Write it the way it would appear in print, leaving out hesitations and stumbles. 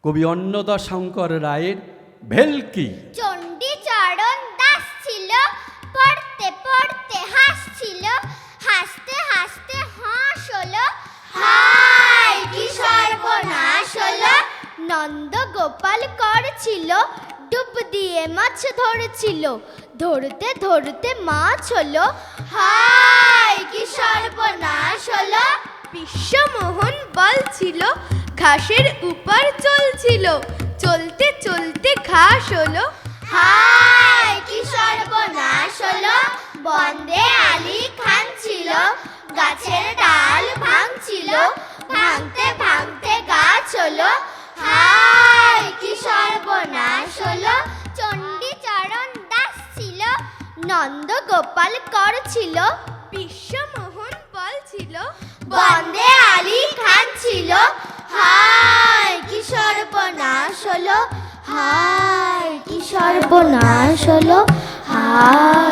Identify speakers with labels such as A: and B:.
A: কবি অন্নদাশঙ্কর রায়ের ভেলকি।
B: চণ্ডীচরণ দাস ছিল, পড়তে পড়তে হাসছিল, হাসতে হাসতে হাঁস হলো, হায় কি সর্বনাশ হলো। নন্দ গোপাল করছিল, ডুব দিয়ে মাছ ধরছিল, ধরতে ধরতে মাছ হলো, হায় কি সর্বনাশ হলো।
C: বিশ্বমোহন বলছিল, ঘাসের উপর চলছিল, চলতে চলতে ঘাস হলো,
B: হায় কি সর্বনাশ হলো। বন্দে আলী খান ছিল, গাছের ডাল ভাঙছিল, ভাঙতে ভাঙতে গাছ হলো, হায় কি সর্বনাশ হলো। চণ্ডীচরণ দাস ছিল, নন্দ গোপাল করছিল,
C: বিশ্বমোহন বলছিল,
B: বন্দে আলী খান ছিল, হায় কি সর্বনাশ হলো, হায় কি সর্বনাশ হলো, হায়।